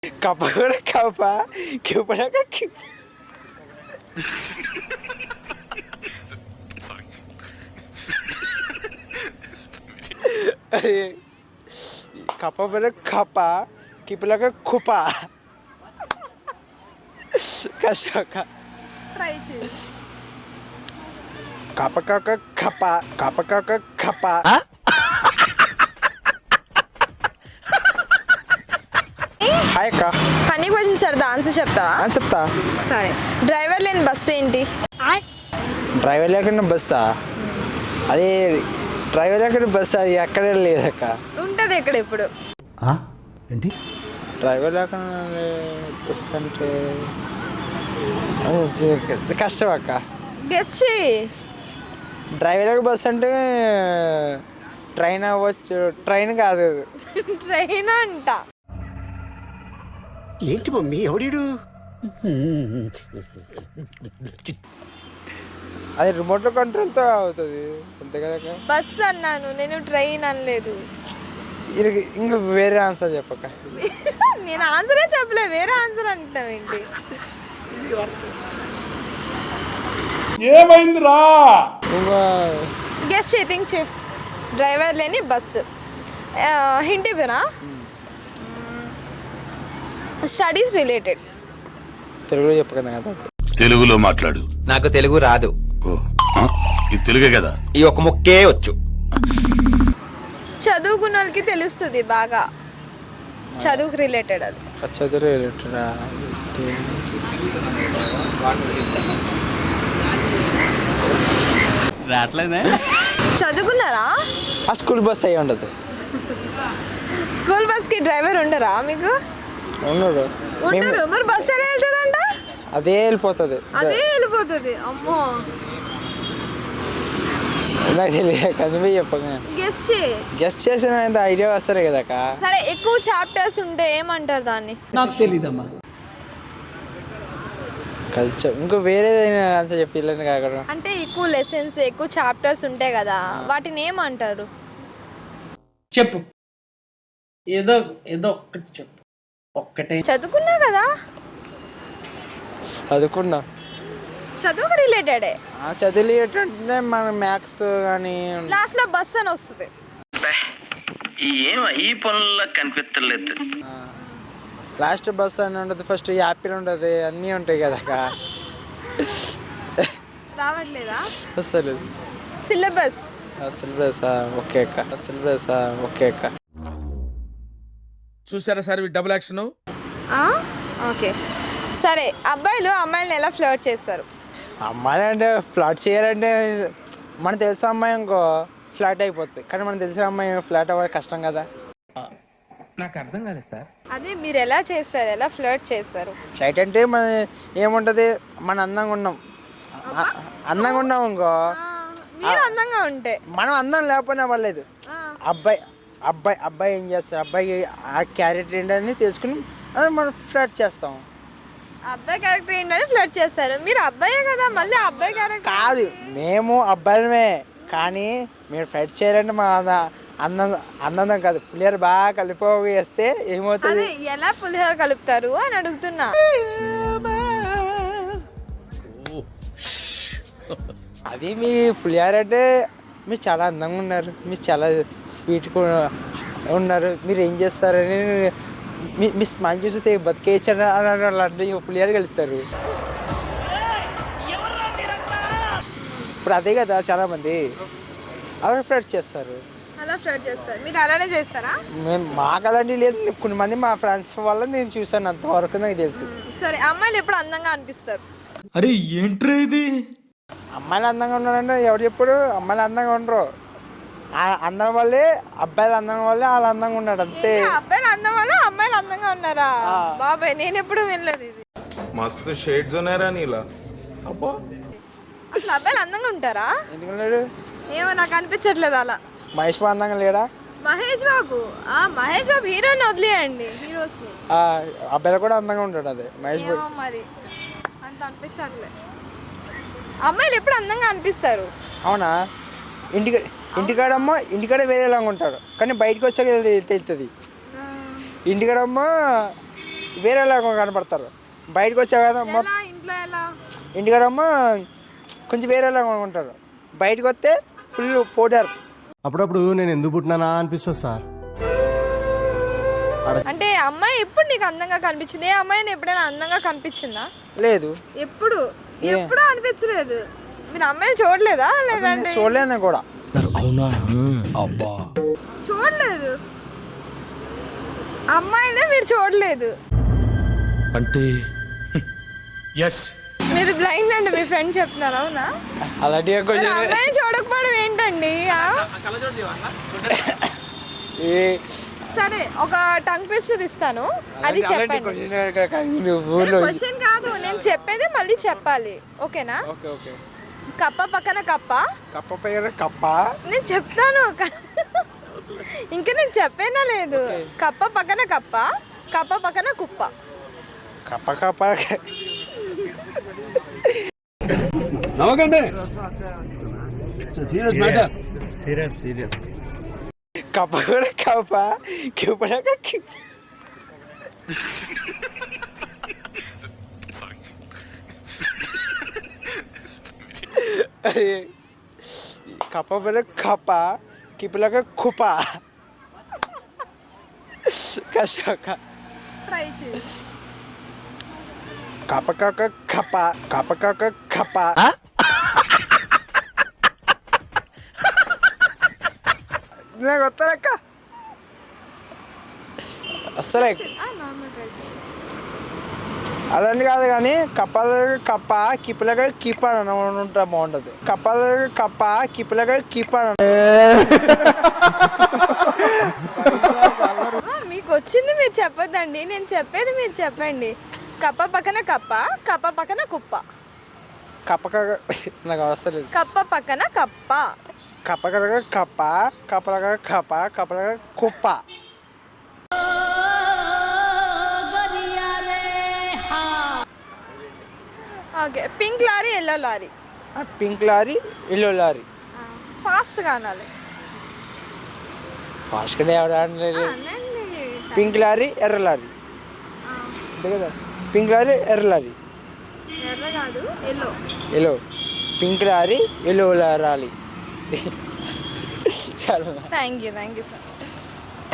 కప్ప కూడా కప్ప కిప్పడాక కప్ప కూడా కప్ప కిప్పలాక కుప్ప కష్టక ట్రై చేయి. కప్ప కాక కప్ప కప్ప కాక కప్ప హాయ్ అక్క ఫన్నీ క్వశ్చన్ సార్ ఆన్సర్ చెప్తావా? చెప్తా. సరే, డ్రైవర్ లేని బస్సు ఏంటి? డ్రైవర్ లేకుండా బస్సా? అది డ్రైవర్ లేకుండా బస్సు అది ఎక్కడే లేదక్క. ఉంటది ఎక్కడ ఇప్పుడు? ఏంటి డ్రైవర్ లేకుండా బస్ అంటే కష్టం అక్క. గెస్ చేయి. డ్రైవర్ లేక బస్ అంటే ట్రైన్ అవ్వచ్చు. ట్రైన్ కాదు అది. ట్రైన్ అంట. ఏంటి మమ్మీ ఎవడీడు అది రిమోట్ కంట్రోల్తో అవుతుంది అంతే కదా. బస్ అన్నాను నేను, ట్రైన్ అనలేదు. ఇంకా వేరే ఆన్సర్ చెప్పక్క. నేను ఆన్సరే చెప్పలే, వేరే ఆన్సర్ అంటాం ఏంటి? ఏమైందిరా? ఇంకా గెస్ చేయి, థింక్ చేయి. డ్రైవర్ లేని బస్సు. హింట్ ఇవ్వనా? Studies related. తెలుగులో చెప్పకదా కదా. తెలుగులో మాట్లాడు. నాకు తెలుగు రాదు. ఇది తెలుగే కదా. ఈ ఒక ముక్కే వచ్చు. చదువుకున్న వాళ్ళకి తెలుస్తుంది బాగా. చదువుకు రిలేటెడ్ అది. చదువు రిలేటెడా? రావట్లేదే. చదువుకున్నారా? ఆ స్కూల్ బస్ అయ్యి ఉండదు. స్కూల్ బస్కి డ్రైవర్ ఉండరా మీకు? ఉండడు. ఉండరు. మరి బస్ ఎలా వెళ్తుందంట? అదే వెళ్ళిపోతుంది. అదే వెళ్ళిపోతుంది. అమ్మో, నాకు తెలియదు కదా. నువ్వే చెప్పగా. గెస్ చేయి. గెస్ట్ చేసిన ఐడియా వస్తారు కదక్క. సరే, ఎక్కువ చాప్టర్స్ ఉంటే ఏమంటారు దాన్ని? నాకు తెలీదమ్మా. కొంచెం ఇంకో వేరేదైనా ఆన్సర్ చెప్పి ఇల్లని కాకుండా. అంటే ఎక్కువ లెసన్స్, ఎక్కువ చాప్టర్స్ ఉంటాయి కదా, వాటిని ఏమంటారు? చెప్పు, ఏదో ఏదో ఒక్కటి చెప్పు. ఒక్కటే. చదువుకున్నా కదా. చదువుకున్నా. చదువుకు రిలేటెడే. చదువులు ఏంటంటే మన మ్యాథ్స్ కానీ లాస్ట్ లో బస్ అని వస్తుంది. ఈ పనుల్లో కనిపించలేదు. లాస్ట్ బస్ అని ఉంటుంది. ఫస్ట్ యాపిల్ ఉంటుంది. అన్నీ ఉంటాయి కదక్క. రావట్లేదా? అసలు సిలబస్. సిలబస్ ఓకే అక్క. సిలబస్ ఓకే అక్క. చూసారా సార్ డబుల్ యాక్షన్. ఓకే, సరే. అబ్బాయిలు అమ్మాయిలను ఎలా ఫ్లర్ట్ చేస్తారు? అమ్మాయి అంటే ఫ్లాట్ చేయాలంటే మనకు తెలిసిన అమ్మాయి ఇంకో ఫ్లాట్ అయిపోతుంది. కానీ మనకు తెలిసిన అమ్మాయి ఫ్లాట్ అవ్వాలి కష్టం కదా. నాకు అర్థం కాలేదు సార్. అదే మీరు ఎలా చేస్తారు, ఎలా ఫ్లర్ట్ చేస్తారు? ఫ్లైట్ అంటే మన ఏముంటుంది, మన అందంగా ఉన్నాం. అందంగా ఉన్నాం ఇంకో. మీరు అందంగా ఉంటే. మనం అందం లేకపోయినా పర్లేదు. అబ్బాయి అబ్బాయి అబ్బాయి ఏం చేస్తారు, అబ్బాయి ఆ క్యారెక్టర్ ఏంటని తెలుసుకుని మనం ఫ్లర్ట్ చేస్తాం. అబ్బాయి క్యారెక్టర్ ఏంటని ఫ్లర్ట్ చేస్తారు. మీరు అబ్బాయే కదా, మళ్ళీ అబ్బాయి క్యారెక్టర్ కాదు. మేము అబ్బాయిలమే, కానీ మీరు ఫ్లర్ట్ చేయాలంటే మా అందం కాదు. పులిహోర బాగా కలిపేస్తే ఏమవుతుంది? అదే ఎలా పులిహోర కలుపుతారు అని అడుగుతున్నా. అది మీ పులిహోర అంటే మీరు చాలా అందంగా ఉన్నారు, మీరు చాలా స్వీట్గా ఉన్నారు, మీరు ఏం చేస్తారని మీ స్మైల్ చూస్తే బతికేయచ్చని అలాంటి పులిహోర కలుపుతారు. ఇప్పుడు అదే కదా చాలామంది అలా ఫ్లర్ట్ చేస్తారు. అలా ఫ్లర్ట్ చేస్తారు. మీరు అలానే చేస్తారా? మేము మాకు అలాంటివి లేదు. కొన్ని మంది మా ఫ్రెండ్స్ వల్ల నేను చూసాను, అంతవరకు నాకు తెలుసు. సరే, అమ్మాయిలు ఎప్పుడు అందంగా అనిపిస్తారు? అరే ఏంట్రా ఇది? అమ్మాయిలు అందంగా ఉన్నారంటే ఎవరు చెప్పుడు? అమ్మాయిలు అందంగా ఉండరు. అందం వల్లే అబ్బాయిలు అందంగా వల్లే వాళ్ళు అందంగా ఉన్నాడు అంతే. అబ్బాయిలు అందం వల్ల అమ్మాయిలు అందంగా ఉన్నారా? బాబాయ్, నేను ఎప్పుడు వినలేదు ఇది. మస్తు షేడ్స్ ఉన్నారా నీలా. అబ్బా, అసలు అబ్బాయిలు అందంగా ఉంటారా? ఎందుకున్నాడు? ఏమో నాకు అనిపించట్లేదు అలా. మహేష్ బాబు అందంగా లేడా? మహేష్ బాబు హీరోని వదిలేయండి, హీరోస్ ని. అబ్బాయిలు కూడా అందంగా ఉంటాడు. అదే మహేష్ బాబు. ఏమో మరి అంత అనిపించట్లేదు. అమ్మాయిలు ఎప్పుడు అందంగా అనిపిస్తారు? అవునా? ఇంటికాడ వేరేలాగా ఉంటాడు, కానీ బయటకు వచ్చాక తెలుస్తుంది. ఇంటికాడమ్మో వేరేలాగా కనపడతారు. బయటకు వచ్చావు కదా ఎలా ఇంట్లో ఎలా ఇంటికాడమ్మ కొంచెం వేరేలాగా ఉంటారు. బయటకు వస్తే ఫుల్ పౌడర్. అప్పుడప్పుడు నేను ఎందుకు పుట్టినానా అనిపిస్తుంది సార్. అంటే అమ్మాయి ఎప్పుడు నీకు అందంగా కనిపించింది? ఏ అమ్మాయిని ఎప్పుడైనా అందంగా కనిపించిందా? లేదు, ఎప్పుడు ఎప్పుడు అనిపించలేదు. మీరు అమ్మాయిని చూడలేదా? లేదంటే చూడలేను కూడా. చూడలేదు అమ్మాయినే మీరు చూడలేదు అంటే ఎస్ మీరు బ్లైండ్ అండి. మీ ఫ్రెండ్ చెప్తున్నారు అవునా? అలాంటి మరి అమ్మాయిని చూడకపోవడం ఏంటండి? సరే ఒక టంగ్ ట్విస్టర్ ఇస్తాను, అది చెప్పండి. క్వశ్చన్ కాదు, నేను చెప్పేది మళ్ళీ చెప్పాలి. ఓకేనా? Okay okay. కప్ప పక్కన కప్ప. కప్ప పైన కప్ప. నేను చెప్తాను ఇంకా నేను చెప్పేనా లేదు. కప్ప పక్కన కప్ప, కప్ప పక్కన కుప్ప. కప్ప కప్ప నవ్వకండి. కప్ప కూడా కప్ప, కిప్పడాక కప్ప పైన కప్ప, కిప్పలాగా కుప్ప. కష్టం. ట్రై చేయి. కప్ప కాక కప్ప, కప్ప కాక కప్ప. నాకు వస్తానక్క వస్తలే. అదండి కాదు కానీ కప్పలగా కప్ప, కిప్పలగా కిప్ప అని ఉంటా బాగుంటుంది. కప్పలగా కప్ప, కిప్పలగా కిప్ప అని. మీకు వచ్చింది మీరు చెప్పొద్దండి, నేను చెప్పేది మీరు చెప్పండి. కప్ప పక్కన కప్ప, కప్ప పక్కన కుప్ప. కప్ప కాక నాకు వస్తలేదు. కప్ప పక్కన కప్ప. కప్ప కలగా కప్ప, కప్పలగా కప్ప, కప్పలగా కుప్ప. Okay. Pink lorry, yellow lorry. Pink lorry, yellow lorry. ఫాస్ట్గా అనాలి. ఫాస్ట్గానే ఎవరు? అనండి. పింక్ లారీ, ఎర్ర లారీ. అంతే కదా. పింక్ లారీ, ఎర్ర లారీ. ఎర్ర కాదు, yellow. Yellow. Pink lorry, yellow lorry. చాలా థ్యాంక్ యూ సో మచ్.